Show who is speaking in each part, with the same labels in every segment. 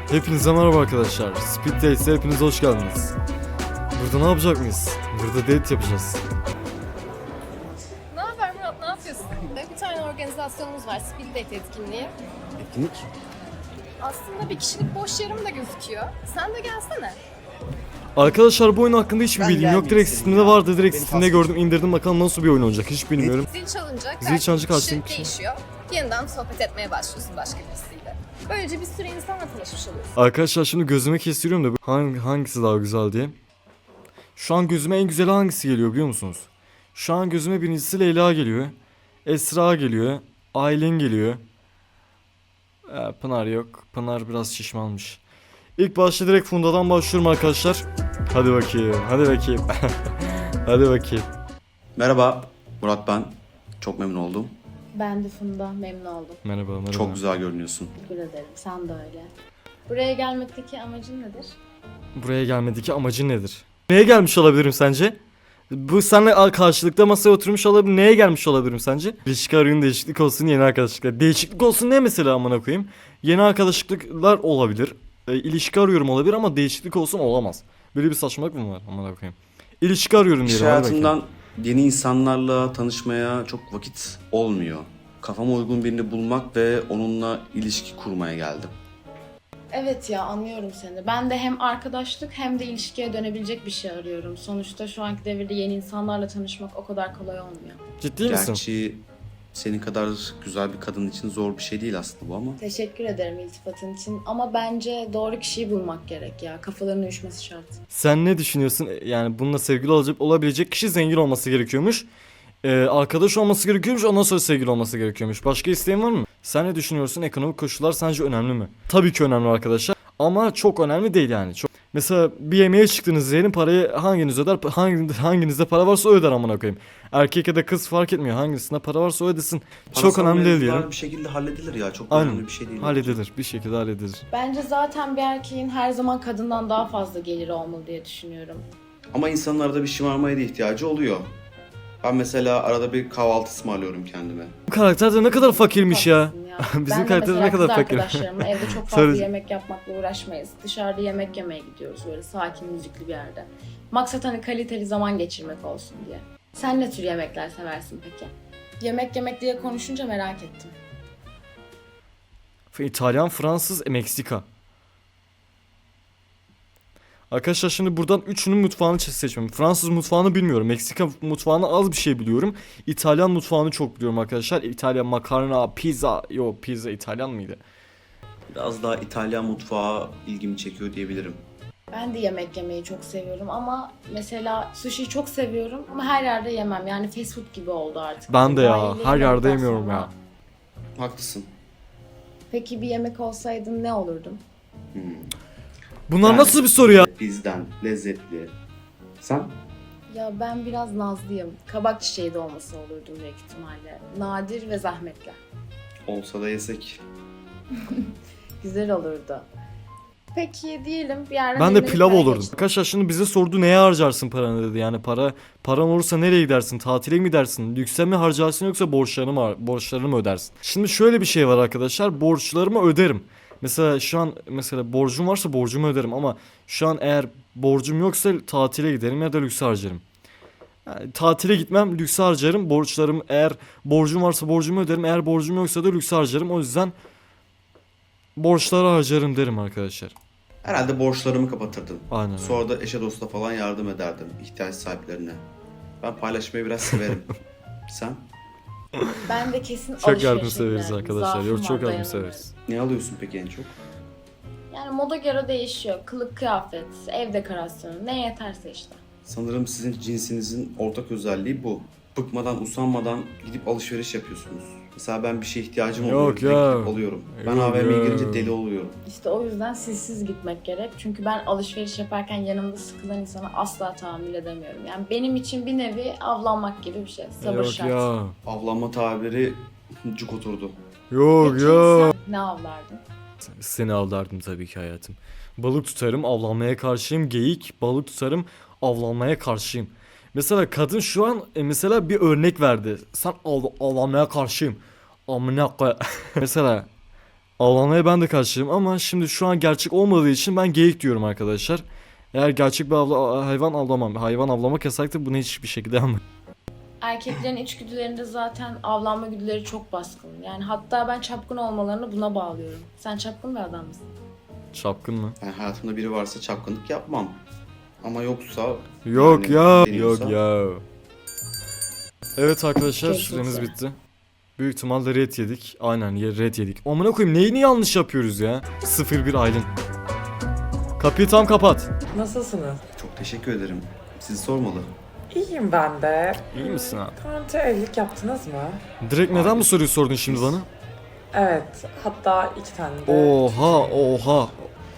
Speaker 1: Hepinize merhaba arkadaşlar. Speed Dates'e hepiniz hoş geldiniz. Burada ne yapacak mıyız? Burada date yapacağız.
Speaker 2: Ne haber Murat, ne yapıyorsun? Bir tane organizasyonumuz var, Speed Date etkinliği.
Speaker 3: Etkinlik?
Speaker 2: Aslında bir kişilik boş yarım da gözüküyor. Sen de gelsene.
Speaker 1: Arkadaşlar bu oyun hakkında hiçbir
Speaker 3: Ben
Speaker 1: bilgim yok.
Speaker 3: gelmeyeyim
Speaker 1: Direkt
Speaker 3: senin
Speaker 1: Steam'de
Speaker 3: ya.
Speaker 1: vardı. Direkt
Speaker 3: Beni
Speaker 1: Steam'de
Speaker 3: pas
Speaker 1: gördüm, indirdim. Bakalım nasıl bir oyun olacak hiç bilmiyorum.
Speaker 2: Zil çalınca
Speaker 1: Zil çalınca
Speaker 2: karşındaki
Speaker 1: karşındaki
Speaker 2: kişi değişiyor. Yeniden sohbet etmeye başlıyorsun başka birisiyle. Böylece bir sürü insanla tanışmış oluyorsun.
Speaker 1: Arkadaşlar şimdi gözüme kestiriyorum da hangisi daha güzel diye. Şu an gözüme en güzeli hangisi geliyor biliyor musunuz? Şu an gözüme birincisi Leyla geliyor. Esra geliyor. Aylin geliyor. Pınar yok. Pınar biraz şişmanmış. İlk başta direkt Funda'dan başlıyorum arkadaşlar. Hadi bakayım. Hadi bakayım. Hadi bakayım.
Speaker 3: Merhaba, Murat ben. Çok memnun oldum.
Speaker 4: Ben de Funda, memnun oldum.
Speaker 1: Merhaba merhaba.
Speaker 3: Çok güzel görünüyorsun.
Speaker 4: Teşekkür ederim, sen de öyle. Buraya gelmekteki amacın nedir?
Speaker 1: Buraya gelmedeki amacın nedir? Neye gelmiş olabilirim sence? Bu seninle karşılıklı masaya oturmuş olabilir. Neye gelmiş olabilirim sence? İlişki arayın, değişiklik olsun, yeni arkadaşlıklar. Değişiklik olsun ne mesela amına koyayım? Yeni arkadaşlıklar olabilir. İlişki arıyorum olabilir ama değişiklik olsun olamaz. Böyle bir saçmalık mı var amına koyayım? İlişki arıyorum
Speaker 3: İş
Speaker 1: diyelim. hadi bakayım.
Speaker 3: hayatımdan yeni insanlarla tanışmaya çok vakit olmuyor. Kafama uygun birini bulmak ve onunla ilişki kurmaya geldim.
Speaker 4: Evet ya, anlıyorum seni. Ben de hem arkadaşlık hem de ilişkiye dönebilecek bir şey arıyorum. Sonuçta şu anki devirde yeni insanlarla tanışmak o kadar kolay olmuyor.
Speaker 1: Ciddi misin?
Speaker 3: Gerçi senin kadar güzel bir kadın için zor bir şey değil aslında bu ama.
Speaker 4: Teşekkür ederim iltifatın için ama bence doğru kişiyi bulmak gerek ya. Kafalarının uyuşması şart.
Speaker 1: Sen ne düşünüyorsun? Yani bununla sevgili olabilecek kişi zengin olması gerekiyormuş. Arkadaş olması gerekiyormuş, ondan sonra sevgili olması gerekiyormuş. Başka isteğin var mı? Sen ne düşünüyorsun? Ekonomik koşullar sence önemli mi? Tabii ki önemli arkadaşlar. Ama çok önemli değil yani. Mesela bir yemeğe çıktınız diyelim, parayı hanginiz öder? Hanginizde para varsa o öder amına koyayım. Erkek ya da kız fark etmiyor. Hangisinde para varsa o ödesin. Çok
Speaker 3: Parasal
Speaker 1: önemli değil
Speaker 3: mevzular
Speaker 1: diyelim.
Speaker 3: bir şekilde halledilir ya. Çok
Speaker 1: Aynen.
Speaker 3: önemli bir şey değil.
Speaker 1: Halledilir. Bir şekilde halledilir.
Speaker 4: Bence zaten bir erkeğin her zaman kadından daha fazla geliri olmalı diye düşünüyorum.
Speaker 3: Ama insanın arada bir şımarmaya da ihtiyacı oluyor. Ben mesela arada bir kahvaltı ısmarlıyorum kendime.
Speaker 1: Bu karakter de ne kadar fakirmiş ya.
Speaker 4: Haklısın ya.
Speaker 1: Bizim
Speaker 4: Ben de
Speaker 1: karakter
Speaker 4: mesela
Speaker 1: ne kadar
Speaker 4: kız
Speaker 1: fakir.
Speaker 4: arkadaşlarımla evde çok fazla
Speaker 1: Söyle.
Speaker 4: yemek yapmakla uğraşmayız. Dışarıda yemek yemeye gidiyoruz böyle sakin müzikli bir yerde. Maksat hani kaliteli zaman geçirmek olsun diye. Sen ne tür yemekler seversin peki? Yemek yemek diye konuşunca merak ettim.
Speaker 1: İtalyan, Fransız, Meksika. Arkadaşlar şimdi buradan üçünün mutfağını seçmem. Fransız mutfağını bilmiyorum. Meksika mutfağını az bir şey biliyorum. İtalyan mutfağını çok biliyorum arkadaşlar. İtalyan makarna, pizza. Yo, pizza İtalyan mıydı?
Speaker 3: Biraz daha İtalyan mutfağı ilgimi çekiyor diyebilirim.
Speaker 4: Ben de yemek yemeyi çok seviyorum ama mesela sushi'yi çok seviyorum ama her yerde yemem. Yani fast food gibi oldu artık.
Speaker 1: Ben de ya,
Speaker 4: Dahiliye
Speaker 1: her yerde
Speaker 4: yemekten
Speaker 1: yemiyorum
Speaker 4: sonra.
Speaker 1: ya.
Speaker 3: Haklısın.
Speaker 4: Peki bir yemek olsaydın ne olurdun?
Speaker 1: Bunlar
Speaker 3: Yani
Speaker 1: nasıl bir soru ya?
Speaker 3: Bizden lezzetli. Sen?
Speaker 4: Ya ben biraz nazlıyım. Kabak çiçeği de olması olurdum büyük ihtimalle. Nadir ve zahmetli.
Speaker 3: Olsa da yesek.
Speaker 4: Güzel olurdu. Peki diyelim bir yerden
Speaker 1: Ben de
Speaker 4: birine
Speaker 1: pilav
Speaker 4: hikaye
Speaker 1: olurdum.
Speaker 4: geçtin.
Speaker 1: Arkadaşlar şimdi bize sordu neye harcarsın paranı dedi. Yani paran olursa nereye gidersin? Tatile mi gidersin? Lükse mi harcarsın yoksa borçlarını mı ödersin? Şimdi şöyle bir şey var arkadaşlar. Borçlarımı öderim. Mesela şu an borcum varsa borcumu öderim ama şu an eğer borcum yoksa tatile giderim ya da lükse harcarım. Yani tatile gitmem, lükse harcarım. Eğer borcum varsa borcumu öderim. Eğer borcum yoksa da lükse harcarım. O yüzden borçları harcarım derim arkadaşlar.
Speaker 3: Herhalde borçlarımı kapatırdım.
Speaker 1: Aynen öyle.
Speaker 3: Sonra da eşe dosta falan yardım ederdim ihtiyaç sahiplerine. Ben paylaşmayı biraz severim. Sen?
Speaker 4: Ben de kesin
Speaker 1: Çok
Speaker 4: alışverişe
Speaker 1: yardımseveriz
Speaker 4: giderdim.
Speaker 1: arkadaşlar.
Speaker 4: Zaafım
Speaker 1: Yok,
Speaker 4: var,
Speaker 1: çok
Speaker 4: dayanamıyorum.
Speaker 1: yardımseveriz.
Speaker 3: Ne alıyorsun peki en çok?
Speaker 4: Yani moda göre değişiyor. Kılık kıyafet, ev dekorasyonu ne yeterse işte.
Speaker 3: Sanırım sizin cinsinizin ortak özelliği bu. Bıkmadan, usanmadan gidip alışveriş yapıyorsunuz. Mesela ben bir şeye ihtiyacım oluyor.
Speaker 1: Yok
Speaker 3: direkt
Speaker 1: ya.
Speaker 3: gidip alıyorum. Ben
Speaker 1: Yok
Speaker 3: AVM'ye
Speaker 1: ya.
Speaker 3: girince deli oluyorum.
Speaker 4: İşte o yüzden sizsiz gitmek gerek. Çünkü ben alışveriş yaparken yanımda sıkılan insana asla tahammül edemiyorum. Yani benim için bir nevi avlanmak gibi bir şey. Sabır
Speaker 1: Yok
Speaker 4: şart.
Speaker 1: ya.
Speaker 3: Avlanma tabiri cuk oturdu.
Speaker 1: Yok
Speaker 4: Peki
Speaker 1: ya.
Speaker 4: sen ne avlardın?
Speaker 1: Seni avlardım tabii ki hayatım. Balık tutarım, avlanmaya karşıyım. Geyik, balık tutarım, avlanmaya karşıyım. Mesela kadın şu an mesela bir örnek verdi. Sen avlanmaya karşıyım. Amına koy. Mesela Avlanmaya ben de karşıyım ama şimdi şu an gerçek olmadığı için ben geyik diyorum arkadaşlar. Eğer gerçek bir hayvan avlamam. Hayvan avlamak yasaktır. Bunu hiçbir şekilde yapmam.
Speaker 4: Erkeklerin içgüdülerinde zaten avlanma güdüleri çok baskın. Yani hatta ben çapkın olmalarını buna bağlıyorum. Sen çapkın bir adam mısın?
Speaker 1: Çapkın mı?
Speaker 3: Ben hayatımda biri varsa çapkınlık yapmam. Ama yoksa...
Speaker 1: Yok
Speaker 3: yani
Speaker 1: ya.
Speaker 3: deniyorsa-
Speaker 1: Yok ya. Evet arkadaşlar
Speaker 4: Çok
Speaker 1: süreniz
Speaker 4: güzel.
Speaker 1: bitti. Büyük ihtimalle red yedik. Aynen red yedik. Amına koyayım neyini yanlış yapıyoruz ya? 01 Aylin. Kapıyı tam kapat.
Speaker 5: Nasılsınız?
Speaker 3: Çok teşekkür ederim. Sizi sormalı.
Speaker 5: İyiyim ben de.
Speaker 1: İyi misin abi?
Speaker 5: Daha önce evlilik yaptınız mı?
Speaker 1: Direkt neden bu soruyu sordun şimdi bana?
Speaker 5: Evet. Hatta 2 tane de.
Speaker 1: Oha.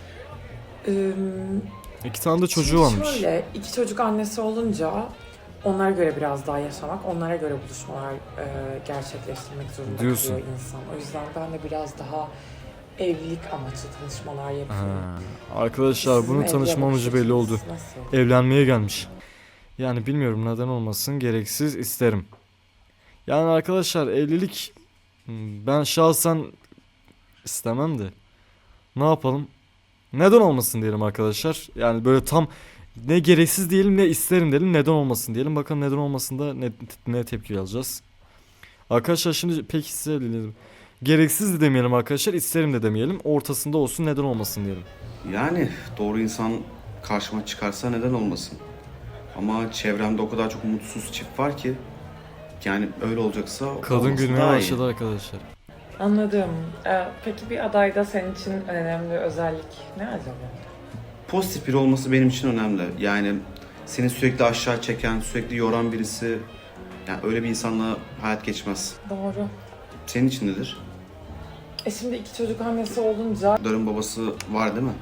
Speaker 5: Ee,
Speaker 1: 2 tane de çocuğu
Speaker 5: şimdi
Speaker 1: varmış.
Speaker 5: Şöyle 2 çocuk annesi olunca onlara göre biraz daha yaşamak, onlara göre buluşmalar gerçekleştirmek zorunda
Speaker 1: Diyorsun.
Speaker 5: kalıyor insan. O yüzden ben de biraz daha evlilik amaçlı tanışmalar yapıyorum.
Speaker 1: Arkadaşlar
Speaker 5: Sizin
Speaker 1: bunun
Speaker 5: evli
Speaker 1: tanışma
Speaker 5: bakış
Speaker 1: amacı belli oldu.
Speaker 5: açınız nasıl?
Speaker 1: Evlenmeye gelmiş. Yani bilmiyorum neden olmasın gereksiz isterim. Yani arkadaşlar evlilik ben şahsen istemem de. Ne yapalım? Neden olmasın diyelim arkadaşlar. Yani böyle tam ne gereksiz diyelim ne isterim diyelim neden olmasın diyelim. Bakalım neden olmasın da ne tepki alacağız. Arkadaşlar şimdi peki size dinleyelim. Gereksiz de demeyelim arkadaşlar isterim de demeyelim. Ortasında olsun neden olmasın diyelim.
Speaker 3: Yani doğru insan karşıma çıkarsa neden olmasın? Ama çevremde o kadar çok mutsuz çift var ki yani öyle olacaksa
Speaker 1: Kadın
Speaker 3: olması
Speaker 1: gülmeye
Speaker 3: daha iyi.
Speaker 1: başladı arkadaşlar.
Speaker 5: Anladım. Peki bir adayda senin için önemli özellik ne acaba?
Speaker 3: Pozitif biri olması benim için önemli. Yani seni sürekli aşağı çeken, sürekli yoran birisi, yani öyle bir insanla hayat geçmez.
Speaker 5: Doğru.
Speaker 3: Senin için nedir?
Speaker 5: Şimdi 2 çocuk annesi olunca
Speaker 3: Darın babası var değil mi?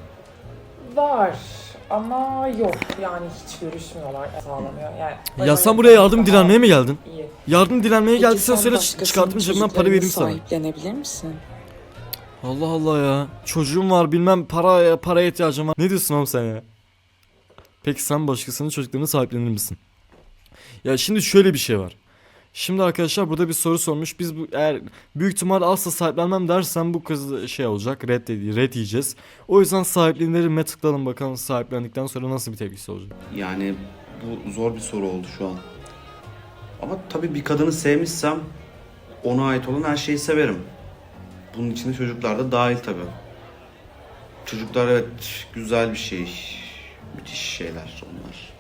Speaker 5: var ama yok yani hiç görüşmüyorlar sağlamıyor yani.
Speaker 1: Ya sen buraya yardım dilenmeye mi geldin?
Speaker 5: İyi.
Speaker 1: Yardım dilenmeye
Speaker 6: Peki
Speaker 1: geldiysen
Speaker 6: sen
Speaker 1: söyle
Speaker 6: başkasının
Speaker 1: çıkartayım cebimden para vereyim sana.
Speaker 6: sahiplenebilir misin?
Speaker 1: Allah Allah ya. Çocuğum var bilmem paraya ihtiyacım var. Ne diyorsun oğlum sen ya? Peki sen başkasının çocuklarını sahiplenir misin? Ya şimdi şöyle bir şey var. Şimdi arkadaşlar burada bir soru sormuş. Biz eğer büyük ihtimal asla sahiplenmem dersen bu kız şey olacak. Red yiyeceğiz. O yüzden sahiplenirime tıklayalım bakalım sahiplendikten sonra nasıl bir tepkisi olacak.
Speaker 3: Yani bu zor bir soru oldu şu an. Ama tabii bir kadını sevmişsem ona ait olan her şeyi severim. Bunun içinde çocuklar da dahil tabii. Çocuklar evet güzel bir şey. Müthiş şeyler onlar.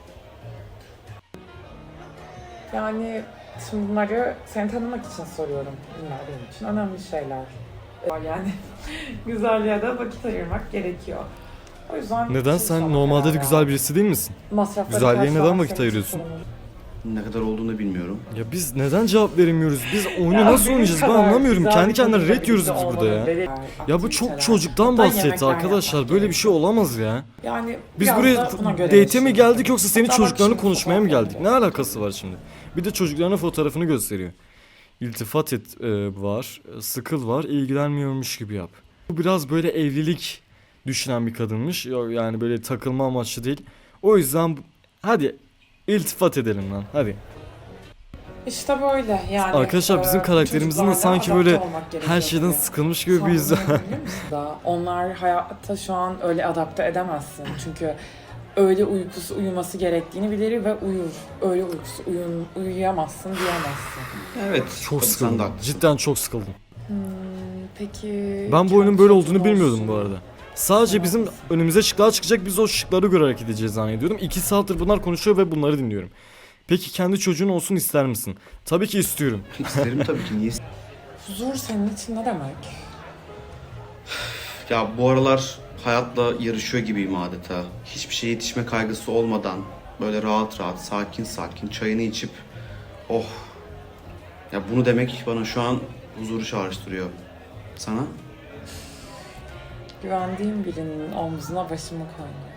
Speaker 5: Yani şimdi bunları seni tanımak için soruyorum. Bunlar benim için önemli şeyler. Yani güzelliğe de vakit ayırmak gerekiyor. O yüzden
Speaker 1: Neden sen normalde de güzel birisi değil misin? Güzelliğe neden vakit ayırıyorsun?
Speaker 3: Ne kadar olduğunu bilmiyorum.
Speaker 1: Ya biz neden cevap veremiyoruz? Biz oyunu nasıl oynayacağız ben anlamıyorum. Kendi kendine red yiyoruz biz burada ya. Ya bu çok çocuktan bahsetti arkadaşlar. Böyle bir şey olamaz ya.
Speaker 5: Yani
Speaker 1: Biz
Speaker 5: biraz
Speaker 1: buraya
Speaker 5: da buna göre
Speaker 1: date'e mi
Speaker 5: yaşayın.
Speaker 1: geldik yoksa senin
Speaker 5: Hatta bak
Speaker 1: çocuklarını
Speaker 5: şimdi
Speaker 1: konuşmaya mı
Speaker 5: fotoğraf
Speaker 1: geldik? Ne alakası var şimdi? Bir de çocuklarının fotoğrafını gösteriyor. İltifat et var, sıkıl var, ilgilenmiyormuş gibi yap. Bu biraz böyle evlilik düşünen bir kadınmış. Yani böyle takılma amaçlı değil. O yüzden hadi iltifat edelim lan hadi.
Speaker 5: İşte böyle yani.
Speaker 1: Arkadaşlar bizim karakterimizin de
Speaker 5: çocuklarla
Speaker 1: sanki
Speaker 5: adapte
Speaker 1: böyle
Speaker 5: olmak gerekiyor
Speaker 1: her şeyden
Speaker 5: tabii.
Speaker 1: sıkılmış gibi bir yüzü.
Speaker 5: Sen bunu biliyor musun da onlar hayatta şu an öyle adapte edemezsin. Çünkü öyle uyuması gerektiğini bilir ve uyur. Öyle uyuyamazsın diyemezsin.
Speaker 3: Evet.
Speaker 1: Çok
Speaker 3: tabii sen
Speaker 1: sıkıldım.
Speaker 3: de haklısın.
Speaker 1: Cidden çok sıkıldım.
Speaker 5: Peki...
Speaker 1: Ben bu oyunun böyle olduğunu
Speaker 5: çocuğun
Speaker 1: bilmiyordum
Speaker 5: olsun.
Speaker 1: bu arada. Sadece bizim önümüze şıklar çıkacak biz o şıkları göre hareket edeceğiz zannediyordum. 2 saattir bunlar konuşuyor ve bunları dinliyorum. Peki kendi çocuğun olsun ister misin? Tabii ki istiyorum.
Speaker 3: İsterim tabii ki. Niye?
Speaker 5: Huzur senin için ne demek?
Speaker 3: Ya bu aralar hayatla yarışıyor gibiyim adeta. Hiçbir şeye yetişme kaygısı olmadan böyle rahat rahat, sakin sakin çayını içip oh. Ya bunu demek bana şu an huzuru çağrıştırıyor. Sana?
Speaker 5: Güvendiğim birinin omzuna başımı koymak.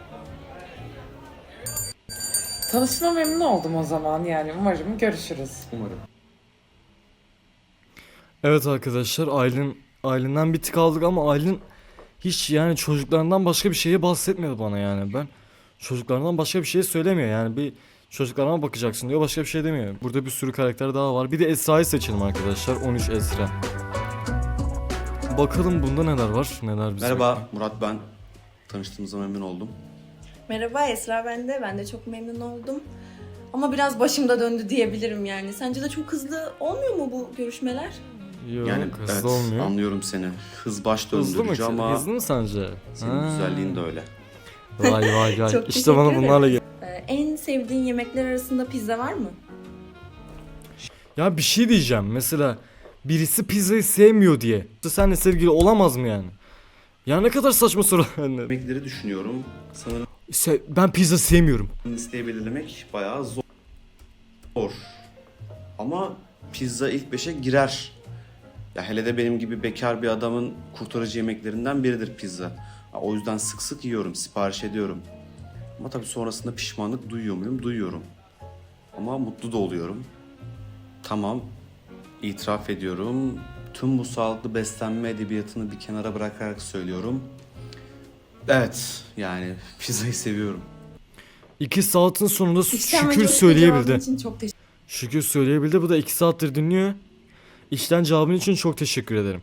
Speaker 5: Tanışma memnun oldum o zaman yani umarım görüşürüz.
Speaker 3: Umarım.
Speaker 1: Evet arkadaşlar Aylin'den bir tık aldık ama Aylin hiç yani çocuklarından başka bir şeye bahsetmedi bana yani. Ben çocuklarından başka bir şey söylemiyor yani bir çocuklarına bakacaksın diyor başka bir şey demiyor. Burada bir sürü karakter daha var. Bir de Esra'yı seçelim arkadaşlar. 13 Esra. Bakalım bunda neler var, neler bize.
Speaker 3: Merhaba Murat ben. Tanıştığımıza memnun oldum.
Speaker 6: Merhaba Esra ben de çok memnun oldum. Ama biraz başımda döndü diyebilirim yani. Sence de çok hızlı olmuyor mu bu görüşmeler?
Speaker 1: Yok,
Speaker 3: Yani
Speaker 1: hızlı
Speaker 3: evet,
Speaker 1: olmuyor.
Speaker 3: anlıyorum seni. Hız baş
Speaker 1: Hızlı mı?
Speaker 3: döndürücü ama
Speaker 1: Hızlı mı sence?
Speaker 3: senin
Speaker 1: Ha.
Speaker 3: güzelliğin de öyle.
Speaker 1: Vay vay vay.
Speaker 6: Çok
Speaker 1: İşte bana
Speaker 6: teşekkür
Speaker 1: bunlarla gel.
Speaker 6: En sevdiğin yemekler arasında pizza var mı?
Speaker 1: Ya bir şey diyeceğim. Mesela birisi pizzayı sevmiyor diye. Seninle sevgili olamaz mı yani? Ya ne kadar saçma soru.
Speaker 3: Yemekleri düşünüyorum. Sanırım
Speaker 1: Ben pizza sevmiyorum.
Speaker 3: listeyi belirlemek bayağı zor. Ama pizza ilk 5'e girer. Ya hele de benim gibi bekar bir adamın kurtarıcı yemeklerinden biridir pizza. Ya o yüzden sık sık yiyorum, sipariş ediyorum. Ama tabii sonrasında pişmanlık duyuyor muyum? Duyuyorum. Ama mutlu da oluyorum. Tamam, itiraf ediyorum. Tüm bu sağlıklı beslenme edebiyatını bir kenara bırakarak söylüyorum. Evet, yani pizzayı seviyorum.
Speaker 1: 2 saatin sonunda
Speaker 6: İçten ve
Speaker 1: şükür
Speaker 6: coşkulu cevabın
Speaker 1: söyleyebildi.
Speaker 6: için çok teşekkür
Speaker 1: Şükür söyleyebildi. Bu da 2 saattir dinliyor. İçten cevabın için çok teşekkür ederim.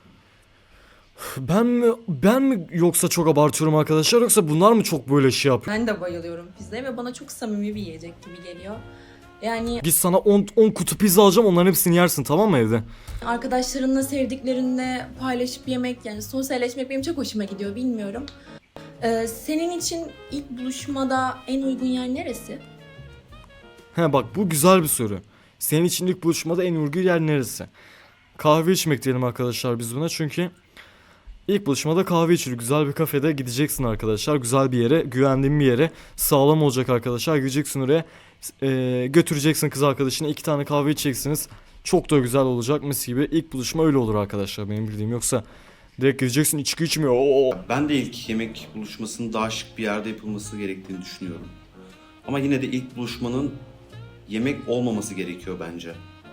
Speaker 1: Ben mi yoksa çok abartıyorum arkadaşlar, yoksa bunlar mı çok böyle şey yapıyor?
Speaker 6: Ben de bayılıyorum pizzaya ve bana çok samimi bir yiyecek gibi geliyor. Yani
Speaker 1: Git sana 10 kutu pizza alacağım, onların hepsini yersin, tamam mı evde?
Speaker 6: arkadaşlarınla, sevdiklerinle paylaşıp yemek yani sosyalleşmek benim çok hoşuma gidiyor bilmiyorum. Senin için ilk buluşmada en uygun yer neresi?
Speaker 1: He bak, bu güzel bir soru. Senin için ilk buluşmada en uygun yer neresi? Kahve içmek diyelim arkadaşlar biz buna, çünkü ilk buluşmada kahve içilir. Güzel bir kafede gideceksin arkadaşlar. Güzel bir yere, güvendiğin bir yere. Sağlam olacak arkadaşlar. Gideceksin oraya. Götüreceksin kız arkadaşına. 2 tane kahve içeceksiniz. Çok da güzel olacak, mis gibi. İlk buluşma öyle olur arkadaşlar, benim bildiğim. Yoksa direkt gideceksin, içki içmiyor. Oo.
Speaker 3: Ben de ilk yemek buluşmasının daha şık bir yerde yapılması gerektiğini düşünüyorum. Ama yine de ilk buluşmanın yemek olmaması gerekiyor bence.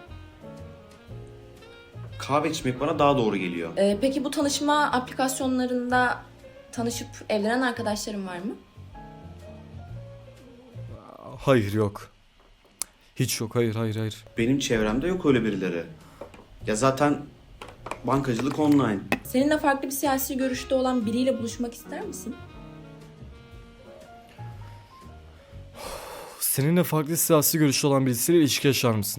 Speaker 3: Kahve içmek bana daha doğru geliyor.
Speaker 6: Peki bu tanışma aplikasyonlarında tanışıp evlenen arkadaşların var mı?
Speaker 1: Hayır, yok. Hiç yok, hayır.
Speaker 3: Benim çevremde yok öyle birileri. Ya zaten bankacılık online.
Speaker 6: Seninle farklı bir siyasi görüşte olan biriyle buluşmak ister misin?
Speaker 1: Seninle farklı siyasi görüşü olan birisiyle ilişki yaşar mısın?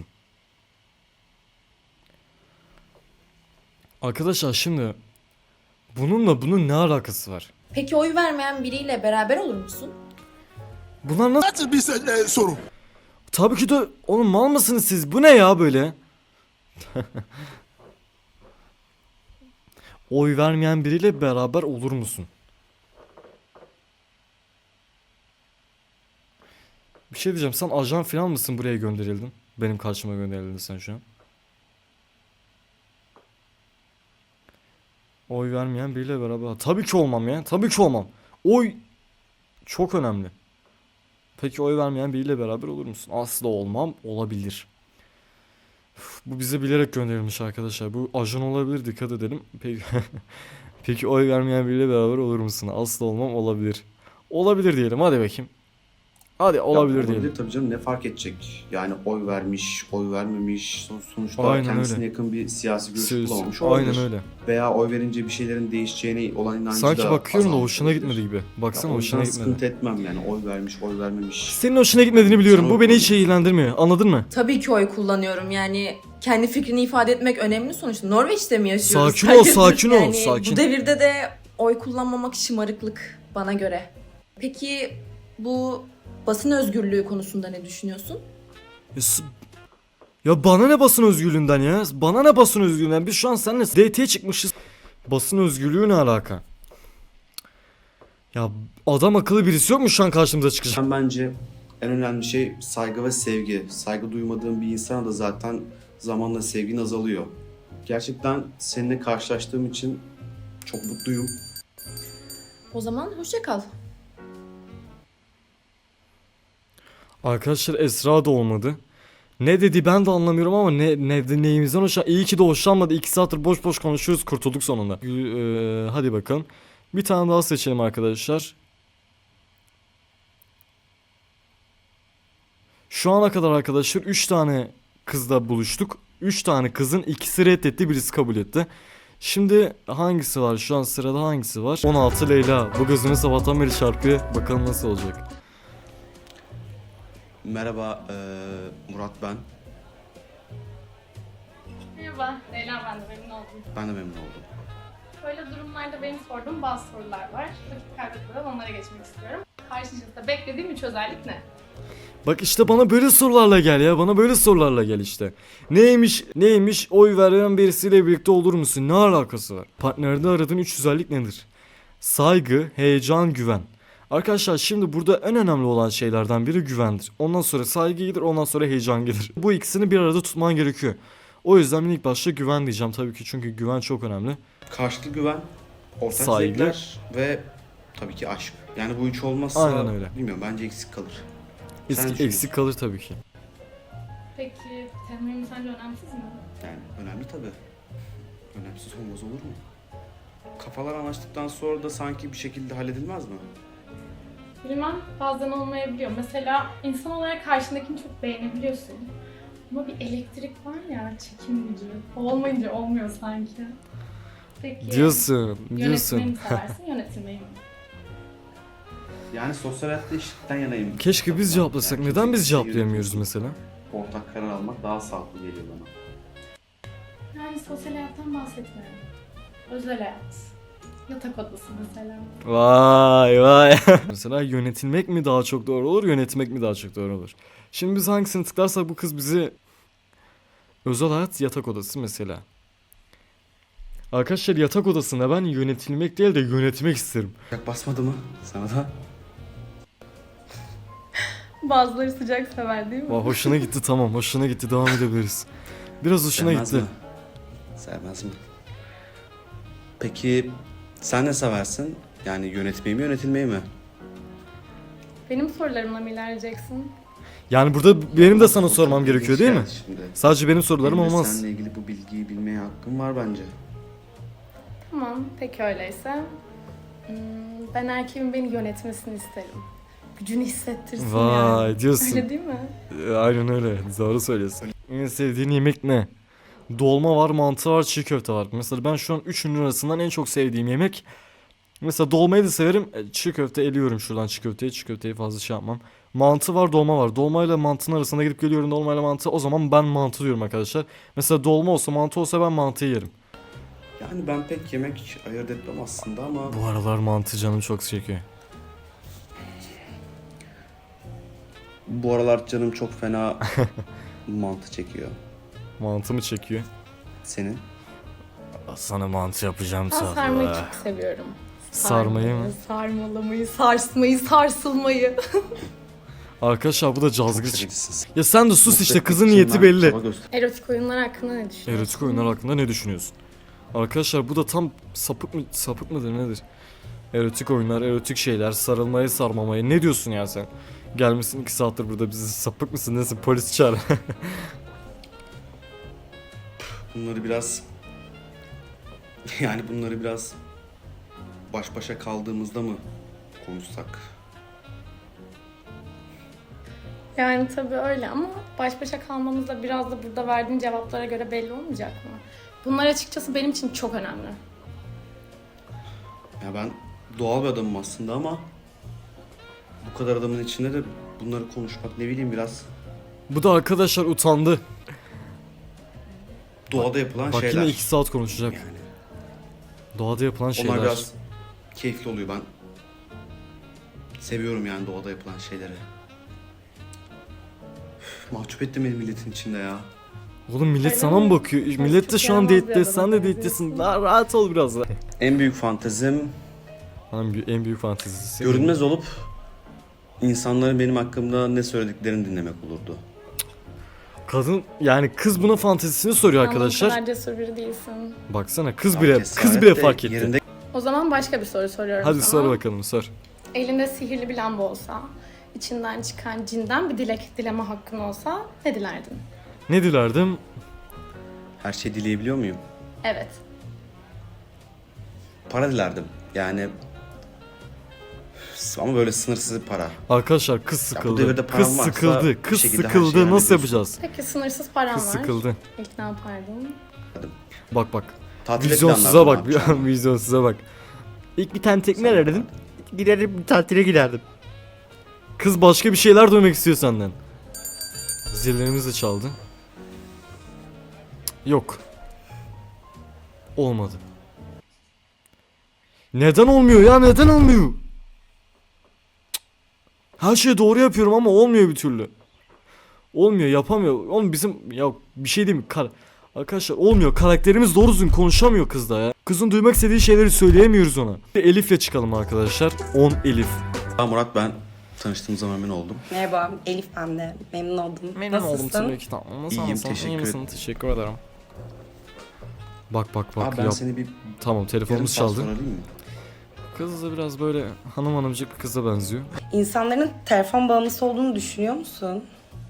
Speaker 1: Arkadaşlar şimdi bununla bunun ne alakası var?
Speaker 6: Peki oy vermeyen biriyle beraber olur musun?
Speaker 1: Bunlar nasıl?
Speaker 7: Nasıl bir soru?
Speaker 1: Tabii ki de, oğlum mal mısınız siz? Bu ne ya böyle? Oy vermeyen biriyle beraber olur musun? Bir şey diyeceğim, sen ajan falan mısın, buraya gönderildin? Benim karşıma gönderildin sen şu an. Oy vermeyen biriyle beraber. Tabii ki olmam ya. Tabii ki olmam. Oy çok önemli. Peki oy vermeyen biriyle beraber olur musun? Asla olmam. Olabilir. Bu bize bilerek gönderilmiş arkadaşlar. Bu ajan olabilir, dikkat edelim. Peki, peki oy vermeyen biriyle beraber olur musun? Asla olmam, olabilir. Olabilir diyelim, hadi bakayım. Hadi olabilir diyelim.
Speaker 3: Tabii canım, ne fark edecek? Yani oy vermiş, oy vermemiş. Sonuçta
Speaker 1: Aynen
Speaker 3: kendisine
Speaker 1: öyle.
Speaker 3: yakın bir siyasi görüş
Speaker 1: Söz-
Speaker 3: bulamamış olabilir.
Speaker 1: Aynen öyle.
Speaker 3: Veya oy verince bir şeylerin değişeceğine olan inancı
Speaker 1: Sanki
Speaker 3: da
Speaker 1: bakıyorum da
Speaker 3: azalmış
Speaker 1: hoşuna
Speaker 3: olabilir.
Speaker 1: gitmedi gibi.
Speaker 3: Ya
Speaker 1: Baksana,
Speaker 3: o
Speaker 1: hoşuna
Speaker 3: yüzden
Speaker 1: gitmedi.
Speaker 3: sıkıntı etmem yani, oy vermiş, oy vermemiş.
Speaker 1: Senin hoşuna gitmediğini biliyorum.
Speaker 3: Sana
Speaker 1: Bu beni hiç
Speaker 3: bakıyorum.
Speaker 1: ilgilendirmiyor. Anladın mı?
Speaker 6: Tabii ki oy kullanıyorum yani kendi fikrini ifade etmek önemli sonuçta. Norveç'te mi yaşıyoruz?
Speaker 1: Sakin ol,
Speaker 6: Hayırdır?
Speaker 1: sakin ol,
Speaker 6: Yani
Speaker 1: sakin.
Speaker 6: Bu devirde de oy kullanmamak şımarıklık bana göre. Peki bu basın özgürlüğü konusunda ne düşünüyorsun?
Speaker 1: Ya bana ne basın özgürlüğünden ya? Bana ne basın özgürlüğünden? Biz şu an seninle date'e çıkmışız. Basın özgürlüğü ne alaka? Ya adam akıllı birisi yok mu şu an karşımıza çıkacak?
Speaker 3: Bence en önemli şey saygı ve sevgi. Saygı duymadığın bir insana da zaten zamanla sevgin azalıyor. Gerçekten seninle karşılaştığım için çok mutluyum.
Speaker 6: O zaman hoşça kal.
Speaker 1: Arkadaşlar Esra da olmadı. Ne dedi ben de anlamıyorum ama neyimizden hoşlan. İyi ki de hoşlanmadı. 2 saattir boş boş konuşuyoruz. Kurtulduk sonunda. Hadi bakalım. Bir tane daha seçelim arkadaşlar. Şu ana kadar arkadaşlar 3 tane kızla buluştuk. 3 tane kızın ikisi reddetti, birisi kabul etti. Şimdi hangisi var? Şu an sırada hangisi var? 16 Leyla. Bu gözümü sabahtan beri çarpıyor. Bakalım nasıl olacak.
Speaker 3: Merhaba, Murat ben.
Speaker 7: Merhaba, Leyla ben de memnun oldum.
Speaker 3: Ben de memnun oldum.
Speaker 7: Böyle durumlarda benim sorduğum bazı sorular var. Vakit kaybetmeden onlara geçmek istiyorum. Karşınızda beklediğim 3 özellik ne?
Speaker 1: Bak işte bana böyle sorularla gel ya. Bana böyle sorularla gel işte. Neymiş oy veren birisiyle birlikte olur musun? Ne alakası var? Partnerde aradığın 3 özellik nedir? Saygı, heyecan, güven. Arkadaşlar şimdi burada en önemli olan şeylerden biri güvendir. Ondan sonra saygı gelir, ondan sonra heyecan gelir. Bu ikisini bir arada tutman gerekiyor. O yüzden ben ilk başta güven diyeceğim tabii ki, çünkü güven çok önemli.
Speaker 3: Karşılıklı güven, ortak
Speaker 1: Saygı.
Speaker 3: zevkler ve tabii ki aşk. Yani bu üç olmazsa
Speaker 1: Aynen öyle.
Speaker 3: bilmiyorum, bence eksik kalır. Sen ne düşünüyorsun?
Speaker 1: Eksik kalır tabii ki.
Speaker 7: Peki, temizliğim sence önemsiz mi?
Speaker 3: Yani önemli tabii. Önemsiz olmaz olur mu? Kafalar anlaştıktan sonra da sanki bir şekilde halledilmez mi?
Speaker 7: Bilmem, bazen olmayabiliyor. Mesela insan olarak karşındakini çok beğenebiliyorsun. Ama bir elektrik var ya, çekim gücü. O olmayınca olmuyor sanki. Peki,
Speaker 1: Diyorsun.
Speaker 7: yönetmeyi mi seversin, yönetilmeyi mi?
Speaker 3: Yani sosyal hayatta eşitlikten yanayım.
Speaker 1: Keşke biz cevaplasak.
Speaker 3: Yani
Speaker 1: Neden biz
Speaker 3: kimse
Speaker 1: cevaplayamıyoruz
Speaker 3: yönetilsin.
Speaker 1: mesela?
Speaker 3: Ortak karar almak daha sağlıklı geliyor bana.
Speaker 7: Yani sosyal hayattan bahsetmiyorum. Özel hayat. Yatak odası mesela.
Speaker 1: Vay. Mesela yönetilmek mi daha çok doğru olur, yönetmek mi daha çok doğru olur? Şimdi biz hangisini tıklarsak bu kız bizi... Özel hayat, yatak odası mesela. Arkadaşlar yatak odasında ben yönetilmek değil de yönetmek isterim.
Speaker 3: Sıcak basmadı mı sana da?
Speaker 7: Bazıları sıcak sever değil mi?
Speaker 1: Vay, hoşuna gitti, tamam, hoşuna gitti, devam edebiliriz. Biraz hoşuna
Speaker 3: Sevmez
Speaker 1: gitti.
Speaker 3: mi? Sevmez mi? Peki sen ne seversin? Yani yönetmeyi mi yönetilmeyi mi?
Speaker 7: Benim sorularımla mı ilerleyeceksin?
Speaker 1: Yani burada benim de sana sormam gerekiyor değil mi?
Speaker 3: Şimdi.
Speaker 1: Sadece benim sorularım
Speaker 3: Benim de
Speaker 1: olmaz.
Speaker 3: seninle ilgili bu bilgiyi bilmeye hakkım var bence.
Speaker 7: Tamam, peki öyleyse. Ben erkeğimin beni yönetmesini isterim. Gücünü hissettirsin yani.
Speaker 1: Vay diyorsun.
Speaker 7: Öyle değil mi?
Speaker 1: Aynen öyle. Doğru söylüyorsun. En sevdiğin yemek ne? Dolma var, mantı var, çiğ köfte var. Mesela ben şu an üçünün arasından en çok sevdiğim yemek... Mesela dolmayı da severim. Çiğ köfte eliyorum şuradan çiğ köfteyi. Çiğ köfteyi fazla şey yapmam. Mantı var, dolma var. Dolmayla mantının arasında gidip geliyorum, dolmayla mantı. O zaman ben mantı diyorum arkadaşlar. Mesela dolma olsa, mantı olsa ben mantıyı yerim.
Speaker 3: Yani ben pek yemek ayırt etmem aslında ama...
Speaker 1: Bu aralar mantı canım çok çekiyor.
Speaker 3: Bu aralar canım çok fena mantı çekiyor.
Speaker 1: Mantı mı çekiyor?
Speaker 3: Senin?
Speaker 1: Sana mantı yapacağım
Speaker 7: Ben
Speaker 1: sana.
Speaker 7: sarmayı çok seviyorum.
Speaker 1: Sarmayı mı?
Speaker 7: Sarmalamayı, sarsmayı, sarsılmayı.
Speaker 1: Arkadaşlar bu da
Speaker 3: Çok
Speaker 1: cazgır.
Speaker 3: sevicisin.
Speaker 1: Ya sen de sus
Speaker 3: Mutlu
Speaker 1: işte,
Speaker 3: etmek
Speaker 1: kızın
Speaker 3: için
Speaker 1: niyeti
Speaker 3: ben
Speaker 1: belli.
Speaker 3: çaba göster-
Speaker 7: Erotik oyunlar hakkında ne düşünüyorsun?
Speaker 1: Erotik oyunlar hakkında ne düşünüyorsun? Arkadaşlar bu da tam sapık mıdır nedir? Erotik oyunlar, erotik şeyler, sarılmayı, sarmamayı. Ne diyorsun ya sen? Gelmişsin 2 saattir burada, bizi sapık mısın nesin, polis çağır.
Speaker 3: Bunları biraz... Yani bunları biraz baş başa kaldığımızda mı konuşsak?
Speaker 7: Yani tabii öyle ama baş başa kalmamız da biraz da burada verdiğin cevaplara göre belli olmayacak mı? Bunlar açıkçası benim için çok önemli.
Speaker 3: Ya ben doğal bir adamım aslında ama bu kadar adamın içinde de bunları konuşmak ne bileyim biraz
Speaker 1: Bu da arkadaşlar utandı.
Speaker 3: doğada yapılan
Speaker 1: Bak
Speaker 3: şeyler.
Speaker 1: yine 2 saat konuşacak.
Speaker 3: Yani
Speaker 1: Doğada yapılan şeyler.
Speaker 3: onlar biraz keyifli oluyor, ben seviyorum yani doğada yapılan şeyleri. Üf, mahcup ettim beni milletin içinde ya.
Speaker 1: Oğlum millet
Speaker 7: Öyle
Speaker 1: sana mı
Speaker 7: mi?
Speaker 1: bakıyor? Millet de
Speaker 7: çok
Speaker 1: şu an
Speaker 7: yaramaz bir
Speaker 1: date'de, sen
Speaker 7: adama
Speaker 1: de date'desin.
Speaker 7: benziyorsun.
Speaker 1: Daha rahat ol biraz da.
Speaker 3: En büyük fantezim
Speaker 1: En büyük fantezisi.
Speaker 3: görünmez olup insanların benim hakkımda ne söylediklerini dinlemek olurdu.
Speaker 1: Kadın yani kız buna fantezisini soruyor
Speaker 7: Sen bu
Speaker 1: arkadaşlar.
Speaker 7: kadar cesur biri değilsin.
Speaker 1: Baksana kız
Speaker 3: Ya
Speaker 1: bile
Speaker 3: cesaret
Speaker 1: bile
Speaker 3: de
Speaker 1: fark etti.
Speaker 3: yerinde
Speaker 7: O zaman başka bir soru soruyorum
Speaker 1: Hadi
Speaker 7: sana.
Speaker 1: sor bakalım, sor.
Speaker 7: Elinde sihirli bir lamba olsa, içinden çıkan cinden bir dilek dileme hakkın olsa ne dilerdin?
Speaker 1: Ne dilerdim?
Speaker 3: her şeyi dileyebiliyor muyum?
Speaker 7: Evet.
Speaker 3: Para dilerdim. Yani ama böyle sınırsız bir para.
Speaker 1: Arkadaşlar kız
Speaker 3: bu
Speaker 1: sıkıldı.
Speaker 3: devirde param
Speaker 1: Kız
Speaker 3: varsa
Speaker 1: sıkıldı.
Speaker 3: bir
Speaker 1: Kız
Speaker 3: şekilde her
Speaker 1: sıkıldı.
Speaker 3: şeyi
Speaker 1: Nasıl
Speaker 3: hallediyorsun.
Speaker 1: yapacağız?
Speaker 7: Peki sınırsız paran
Speaker 1: Kız
Speaker 7: var.
Speaker 1: sıkıldı.
Speaker 7: İlk ne yapardın?
Speaker 1: Bak.
Speaker 3: Tatile
Speaker 1: Vizyonsuza
Speaker 3: planlar
Speaker 1: bak.
Speaker 3: ne yapacağım?
Speaker 1: Vizyonsuza bak. İlk bir tane tekne arardım. Giderim tatile giderdim. Kız başka bir şeyler duymak istiyor senden. Zillerimiz de çaldı. Cık, yok. Olmadı. Neden olmuyor ya? Neden olmuyor? Cık. Her şeyi doğru yapıyorum ama olmuyor bir türlü. Olmuyor, yapamıyor. Oğlum bizim ya bir şey değil mi? Arkadaşlar olmuyor. Karakterimiz doğru düzgün konuşamıyor kız da ya. Kızın duymak istediği şeyleri söyleyemiyoruz ona. Elif'le çıkalım arkadaşlar. 10 Elif.
Speaker 3: Murat, ben tanıştığımıza memnun oldum.
Speaker 8: Merhaba, Elif ben de. Memnun oldum.
Speaker 1: Memnun oldum
Speaker 8: Nasılsın?
Speaker 1: tabii ki. Tamam.
Speaker 3: İyiyim,
Speaker 1: Sen
Speaker 3: teşekkür
Speaker 1: iyi misin?
Speaker 3: ederim.
Speaker 1: Teşekkür ederim. Bak
Speaker 3: Abi ben
Speaker 1: yap.
Speaker 3: seni bir
Speaker 1: Tamam,
Speaker 3: yarım
Speaker 1: telefonumuz
Speaker 3: saat
Speaker 1: çaldı.
Speaker 3: sonra arayayım mı?
Speaker 1: Kız da biraz böyle hanımcık bir kıza benziyor.
Speaker 8: İnsanların telefon bağımlısı olduğunu düşünüyor musun?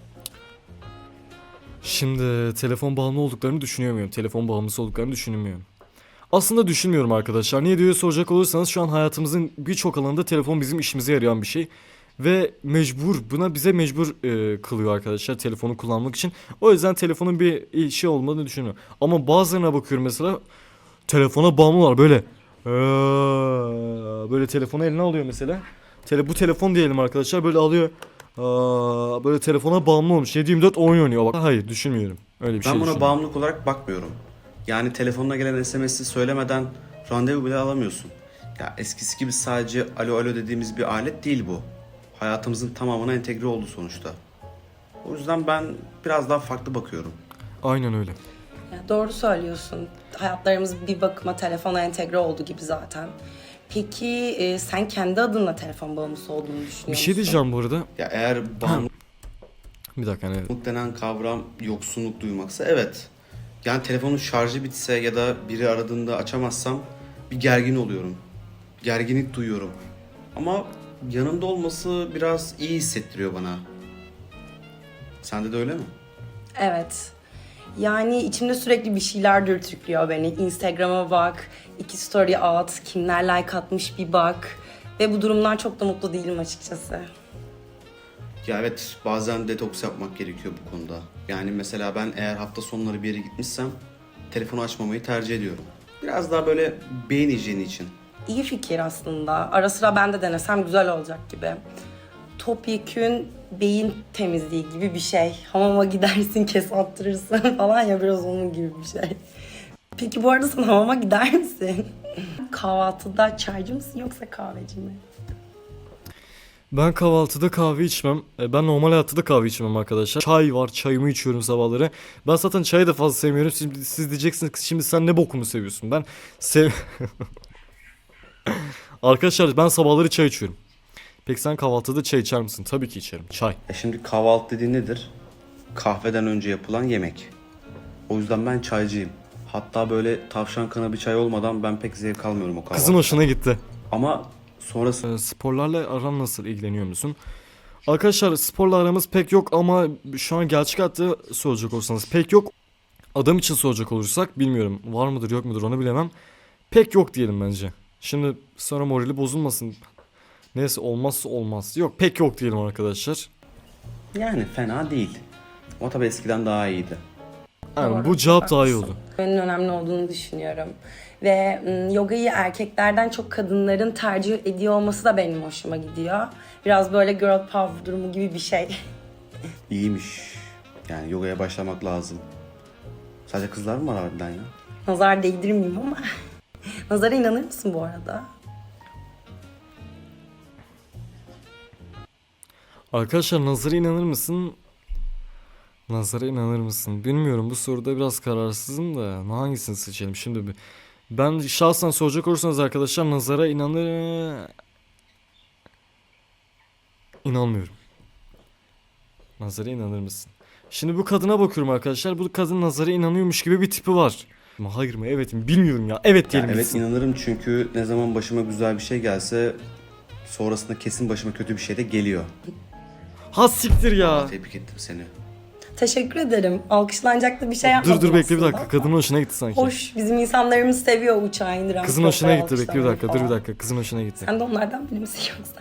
Speaker 1: Şimdi telefon bağımlı olduklarını düşünüyorum. Telefon bağımlısı olduklarını düşünmüyorum. Aslında düşünmüyorum arkadaşlar. Niye diye soracak olursanız şu an hayatımızın birçok alanında telefon bizim işimize yarayan bir şey. Ve bize mecbur kılıyor arkadaşlar telefonu kullanmak için. O yüzden telefonun bir işi olmadığını düşünüyorum. Ama bazılarına bakıyorum mesela telefona bağımlılar böyle. Böyle telefonu eline alıyor mesela. Bu telefon diyelim arkadaşlar böyle alıyor. Böyle telefona bağımlı olmuş. 7/24 oyun oynuyor. Bak, hayır düşünmüyorum. Öyle bir şey
Speaker 3: Ben buna
Speaker 1: düşünmüyorum.
Speaker 3: bağımlılık olarak bakmıyorum. Yani telefonuna gelen SMS'i söylemeden randevu bile alamıyorsun. Ya eskisi gibi sadece alo alo dediğimiz bir alet değil bu. Hayatımızın tamamına entegre oldu sonuçta. O yüzden ben biraz daha farklı bakıyorum.
Speaker 1: Aynen öyle.
Speaker 8: Ya doğru söylüyorsun. Hayatlarımız bir bakıma telefona entegre oldu gibi zaten. Peki sen kendi adına telefon bağımlısı olduğunu düşünüyor musun?
Speaker 1: Bir şey diyeceğim bu arada.
Speaker 3: Ya eğer bağımlılık
Speaker 1: Bir dakika hani
Speaker 3: denen kavram yoksunluk duymaksa evet. Yani telefonun şarjı bitse ya da biri aradığında açamazsam bir gergin oluyorum. Gerginlik duyuyorum. Ama yanımda olması biraz iyi hissettiriyor bana. Sende de öyle mi?
Speaker 8: Evet. Yani içimde sürekli bir şeyler dürtüklüyor beni. Instagram'a bak, 2 story at, kimler like atmış bir bak. Ve bu durumdan çok da mutlu değilim açıkçası.
Speaker 3: Ya evet, bazen detoks yapmak gerekiyor bu konuda. Yani mesela ben eğer hafta sonları bir yere gitmişsem telefonu açmamayı tercih ediyorum. Biraz daha böyle beyin hijyeni için.
Speaker 8: İyi fikir aslında. Ara sıra ben de denesem güzel olacak gibi. Topyekün beyin temizliği gibi bir şey. Hamama gidersin, kes attırırsın falan ya, biraz onun gibi bir şey. Peki bu arada sen hamama gider misin? Kahvaltıda çaycı mısın yoksa kahveci mi?
Speaker 1: ben kahvaltıda kahve içmem. Ben normal hayatta da kahve içmem arkadaşlar. Çay var, çayımı içiyorum sabahları. Ben zaten çayı da fazla sevmiyorum. Siz diyeceksiniz ki şimdi sen ne bokumu seviyorsun? Ben Arkadaşlar ben sabahları çay içiyorum. Peki sen kahvaltıda çay içer misin? Tabii ki içerim. Çay.
Speaker 3: Şimdi kahvaltı dediğin nedir? Kahveden önce yapılan yemek. O yüzden ben çaycıyım. Hatta böyle tavşan kanı bir çay olmadan ben pek zevk almıyorum o kahvaltıda.
Speaker 1: Kızın hoşuna gitti.
Speaker 3: Ama sonrası
Speaker 1: Sporlarla aran nasıl, ilgileniyor musun? Arkadaşlar sporla aramız pek yok ama şu an gerçek hayatta soracak olursanız pek yok. Adam için soracak olursak bilmiyorum, var mıdır yok mudur onu bilemem. Pek yok diyelim bence. Şimdi sonra morali bozulmasın. Neyse, olmazsa olmaz. Yok, pek yok diyelim arkadaşlar.
Speaker 3: yani fena değil. Ama tabii eskiden daha iyiydi.
Speaker 1: Yani
Speaker 8: Doğru,
Speaker 1: bu cevap daha iyi
Speaker 8: haklısın.
Speaker 1: oldu.
Speaker 8: En önemli olduğunu düşünüyorum. Ve yogayı erkeklerden çok kadınların tercih ediyor olması da benim hoşuma gidiyor. Biraz böyle girl power durumu gibi bir şey.
Speaker 3: İyiymiş. Yani yogaya başlamak lazım. Sadece kızlar mı var harbiden ya?
Speaker 8: Nazar değdirmeyeyim ama. Nazara inanır mısın bu arada?
Speaker 1: Arkadaşlar nazara inanır mısın? Nazara inanır mısın? Bilmiyorum, bu soruda biraz kararsızım da hangisini seçelim şimdi bir. Ben şahsen soracak olursanız arkadaşlar nazara İnanmıyorum. Nazara inanır mısın? Şimdi bu kadına bakıyorum arkadaşlar. Bu kadın nazara inanıyormuş gibi bir tipi var. Ama hayır mı evet mi bilmiyorum ya. Evet
Speaker 3: Ya
Speaker 1: diyelim
Speaker 3: evet,
Speaker 1: gitsin.
Speaker 3: inanırım çünkü ne zaman başıma güzel bir şey gelse sonrasında kesin başıma kötü bir şey de geliyor.
Speaker 1: Ha siktir ya.
Speaker 3: Tebrik ettim seni.
Speaker 8: Teşekkür ederim. Alkışlanacak da bir şey yapmadım
Speaker 1: Dur bekle bir dakika.
Speaker 8: aslında.
Speaker 1: Kadının hoşuna gitti sanki.
Speaker 8: Hoş. Bizim insanlarımız seviyor uçağı indiren.
Speaker 1: Kızın hoşuna
Speaker 8: pilotları
Speaker 1: gitti, bekle bir dakika. Dur
Speaker 8: alkışlamayı
Speaker 1: bir
Speaker 8: falan.
Speaker 1: dakika. Kızın hoşuna gitti.
Speaker 8: Sen de onlardan biri misin yoksa?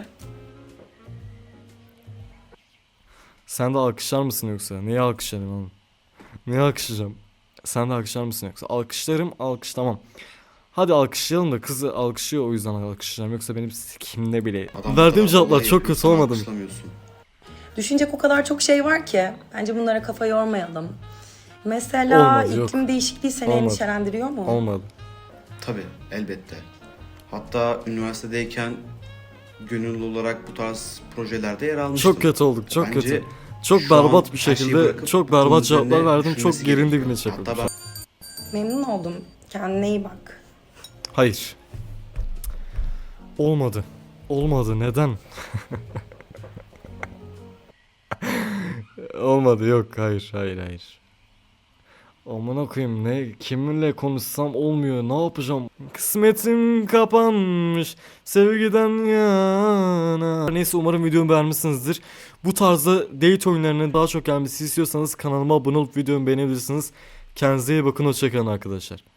Speaker 1: Sen de alkışlar mısın yoksa? Neye alkışlarım oğlum? Neye alkışlayacağım? Sen de alkışlar mısın yoksa? Alkışlarım, alkışlamam. Hadi alkışlayalım da kızı alkışlıyor, o yüzden alkışlayacağım. Yoksa benim kimde bile.
Speaker 3: Adam
Speaker 1: Verdiğim
Speaker 3: bu kadar
Speaker 1: cevaplar
Speaker 3: kolay
Speaker 1: çok kötü
Speaker 3: insan
Speaker 1: olmadı mı?
Speaker 3: alkışlamıyorsun.
Speaker 8: Düşünecek o kadar çok şey var ki. Bence bunlara kafa yormayalım. Mesela
Speaker 1: Olmadı, yok.
Speaker 8: iklim değişikliği seni
Speaker 1: Olmadı.
Speaker 8: endişelendiriyor mu?
Speaker 1: Olmadı.
Speaker 3: Tabii, elbette. Hatta üniversitedeyken gönüllü olarak bu tarz projelerde yer almıştım.
Speaker 1: Çok kötü olduk, çok
Speaker 3: Bence
Speaker 1: kötü. Çok
Speaker 3: şu an
Speaker 1: berbat bir
Speaker 3: her şeyi
Speaker 1: şekilde,
Speaker 3: bırakıp
Speaker 1: çok
Speaker 3: bunun
Speaker 1: berbat
Speaker 3: üzerine
Speaker 1: cevaplar verdim. Çok
Speaker 3: düşünmesi
Speaker 1: yerin
Speaker 3: gerekiyor.
Speaker 1: dibine çakıldım.
Speaker 3: Hatta ben
Speaker 8: Memnun oldum. Kendine iyi bak.
Speaker 1: Hayır. Olmadı. Olmadı. Neden? Olmadı. Yok. Hayır. Hayır. Hayır. Amına koyayım, ne kiminle konuşsam olmuyor, ne yapacağım? Kısmetim kapanmış sevgiden yana. Neyse, umarım videomu beğenmişsinizdir. Bu tarzda date oyunlarının daha çok gelmesi istiyorsanız kanalıma abone olup videomu beğenebilirsiniz. Kendinize iyi bakın, hoşçakalın arkadaşlar.